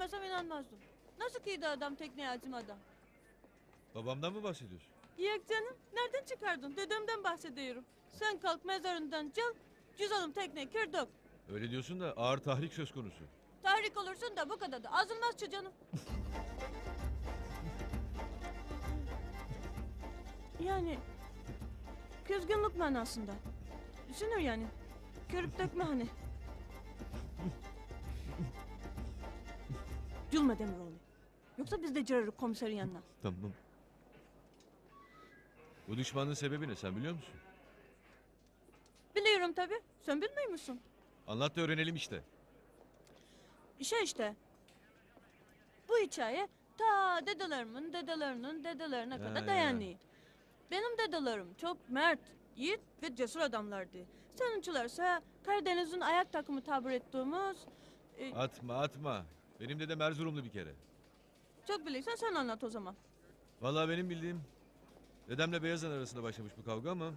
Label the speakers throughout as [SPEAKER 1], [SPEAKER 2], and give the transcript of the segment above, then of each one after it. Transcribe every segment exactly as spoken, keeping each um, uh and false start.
[SPEAKER 1] görmesem inanmazdım. Nasıl kıydı adam tekneye acımadan?
[SPEAKER 2] Babamdan mı bahsediyorsun?
[SPEAKER 1] Yok canım, nereden çıkardın? Dedemden bahsediyorum. Sen kalk mezarından çal, cüzdanım tekneye kır dök.
[SPEAKER 2] Öyle diyorsun da ağır tahrik söz konusu.
[SPEAKER 1] Tahrik olursun da bu kadar da azılmaz şu canım. Yani kızgınlık manasında. Sinir yani. Körüp dökme hani. Gülme Demiroğlu. Yoksa biz de gireriz komiserin yanına.
[SPEAKER 2] Tamam. Bu düşmanlığın sebebi ne sen biliyor musun?
[SPEAKER 1] Biliyorum tabii. Sen bilmiyor musun?
[SPEAKER 2] Anlat da öğrenelim işte.
[SPEAKER 1] Şey işte. Bu hikaye ta dedelerimin dedelerinin dedelerine
[SPEAKER 2] Ya,
[SPEAKER 1] kadar
[SPEAKER 2] ya.
[SPEAKER 1] dayanıyor. Benim dedelerim çok mert, yiğit ve cesur adamlardı. Seninkilerse Karadeniz'in ayak takımı tabir ettiğimiz... e,
[SPEAKER 2] Atma atma. Benim dedem Erzurumlu bir kere.
[SPEAKER 1] çok biliyorsan sen anlat o zaman.
[SPEAKER 2] Vallahi benim bildiğim dedemle Beyazan arasında başlamış bu kavga ama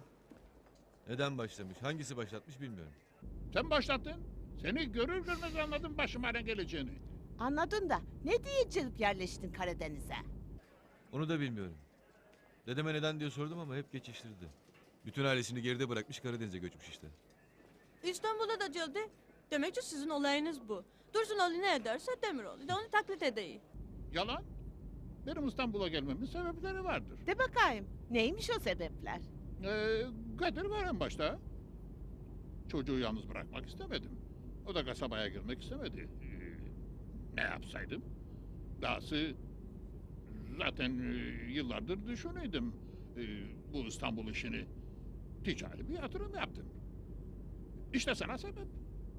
[SPEAKER 2] neden başlamış, hangisi başlatmış bilmiyorum.
[SPEAKER 3] Sen başlattın. Seni görür görmez anladım başıma ne geleceğini.
[SPEAKER 4] Anladın da ne diye gelip yerleştin Karadeniz'e?
[SPEAKER 2] Onu da bilmiyorum. Dedeme neden diye sordum ama hep geçiştirdi. Bütün ailesini geride bırakmış Karadeniz'e göçmüş işte.
[SPEAKER 1] İstanbul'a da geldi. Demek ki sizin olayınız bu. Dursunoğlu ne ederse Demiroğlu da onu taklit edeyim.
[SPEAKER 3] Yalan. Benim İstanbul'a gelmemin sebepleri vardır.
[SPEAKER 4] De bakayım neymiş o sebepler?
[SPEAKER 3] Ee, Kadir var en başta. Çocuğu yalnız bırakmak istemedim. O da kasabaya girmek istemedi. Ee, ne yapsaydım? Dahası zaten e, yıllardır düşünüyordum e, bu İstanbul işini. Ticari bir yatırım yaptım. İşte sana sebep.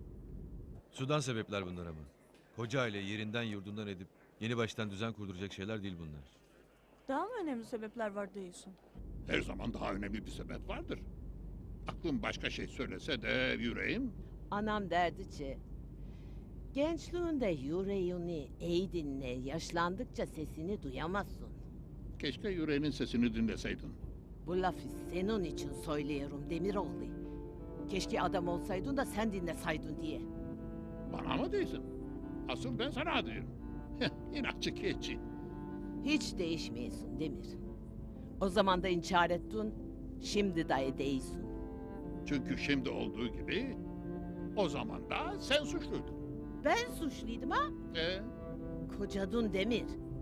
[SPEAKER 2] Sudan sebepler bunlar ama. Koca aile yerinden yurdundan edip yeni baştan düzen kurduracak şeyler değil bunlar.
[SPEAKER 1] Daha mı önemli sebepler var diyorsun?
[SPEAKER 3] Her zaman daha önemli bir sebep vardır. Aklım başka şey söylese de yüreğim...
[SPEAKER 4] Anam derdi ki gençliğinde yüreğini iyi dinle, yaşlandıkça sesini duyamazsın.
[SPEAKER 3] Keşke yüreğinin sesini dinleseydin.
[SPEAKER 4] Bu lafı senin için söylüyorum Demiroğlu. Keşke adam olsaydın da sen dinlesaydın diye.
[SPEAKER 3] Bana mı değilsin? Asıl ben sana diyorum. Heh, İnatçı keçi.
[SPEAKER 4] Hiç değişmiyorsun Demir. O zaman da inkar ettin, şimdi de değilsin.
[SPEAKER 3] Çünkü şimdi olduğu gibi o zaman da sen suçluydun.
[SPEAKER 4] Ben suçluydum ha?
[SPEAKER 3] Ee,
[SPEAKER 4] Kocadın Demir.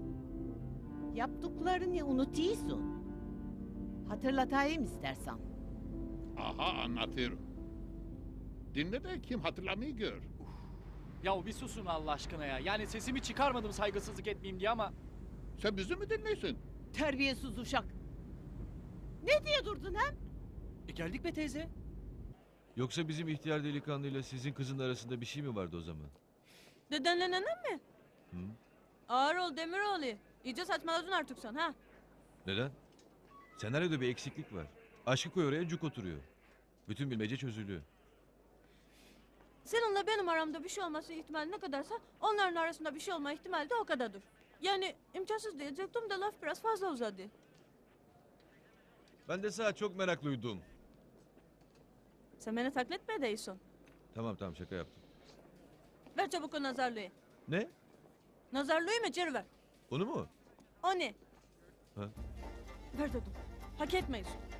[SPEAKER 4] Yaptıklarını unutuyorsun. Hatırlatayım istersen.
[SPEAKER 3] aha anlatıyorum. Dinle de kim hatırlamayı gör.
[SPEAKER 5] Ya bir susun Allah aşkına ya. Yani sesimi çıkarmadım saygısızlık etmeyeyim diye ama...
[SPEAKER 3] Sen bizi mi dinliyorsun?
[SPEAKER 4] Terbiyesiz uşak. Ne diye durdun hem?
[SPEAKER 5] E geldik be teyze.
[SPEAKER 2] Yoksa bizim ihtiyar delikanlıyla sizin kızın arasında bir şey mi vardı o zaman?
[SPEAKER 1] Dedenle nenem mi?
[SPEAKER 2] Hı?
[SPEAKER 1] Ağır ol Demiroğlu. İyice saçmaladın artık sen ha.
[SPEAKER 2] Neden? Senaryoda bir eksiklik var. Aşkı koy oraya cuk oturuyor. Bütün bilmece çözülüyor.
[SPEAKER 1] Seninle benim aramda bir şey olması ihtimali ne kadarsa onların arasında bir şey olma ihtimali de o kadardır. Yani imkansız diyecektim de laf biraz fazla uzadı.
[SPEAKER 2] Ben de sana çok meraklıydım.
[SPEAKER 1] Sen beni taklit mi ediyorsun?
[SPEAKER 2] Tamam tamam şaka yaptım.
[SPEAKER 1] Ver çabuk o nazarlığı.
[SPEAKER 2] Ne?
[SPEAKER 1] Nazarlığı mı geri ver.
[SPEAKER 2] Onu mu?
[SPEAKER 1] O ne?
[SPEAKER 2] Ha?
[SPEAKER 1] Ver dedim. Hak etmeyiz.